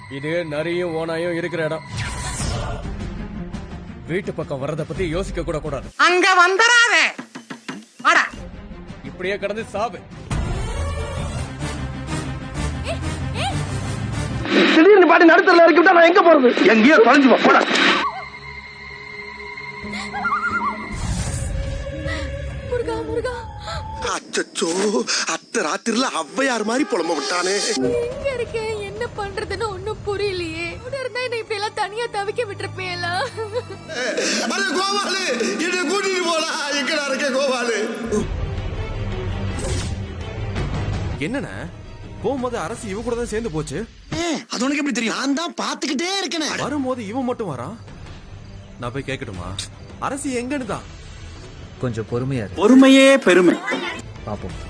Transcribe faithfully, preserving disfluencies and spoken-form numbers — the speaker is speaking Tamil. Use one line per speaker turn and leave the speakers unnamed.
இது நரியும் ஓனாயும் இருக்கிற இடம். வீட்டு பக்கம் வர்றத பத்தி யோசிக்க கூட கூடாது.
அங்க வந்துடாதே. வாடா.
இப்படியே கடந்து சாவு.
திடீர்னு பாட்டி நடுத்தல இறக்கி விட்டா நான் எங்க போறது? எங்கேயோ தொலைஞ்சு போ போடா.
முருகா முருகா.
அச்சச்சோ, அத்த ராத்திரில அவ்வையார் மாதிரி புலம்ப விட்டானே.
எங்க இருக்கேன், என்ன பண்றதுன்னு ஒண்ணும் புரியலையே. இருந்தா என்ன இப்படி எல்லாம் தனியா தவிக்க விட்டுருப்பேலா?
அட கோபாலு, என்ன கூட்டிட்டு போடா. எங்கடா இருக்க கோபாலு?
என்னண்ணா போகும்போது அரசு இவ கூட தான் சேர்ந்து போச்சு.
அது உனக்கு எப்படி தெரியும்? நான் தான் பாத்துக்கிட்டே இருக்கேன்.
வரும்போது இவன் மட்டும் வரான். நான் போய் கேட்கட்டுமா அரசு எங்கன்னு தான்?
கொஞ்சம் பொறுமையா இரு.
பொறுமையே பெருமை.
பாப்போம்.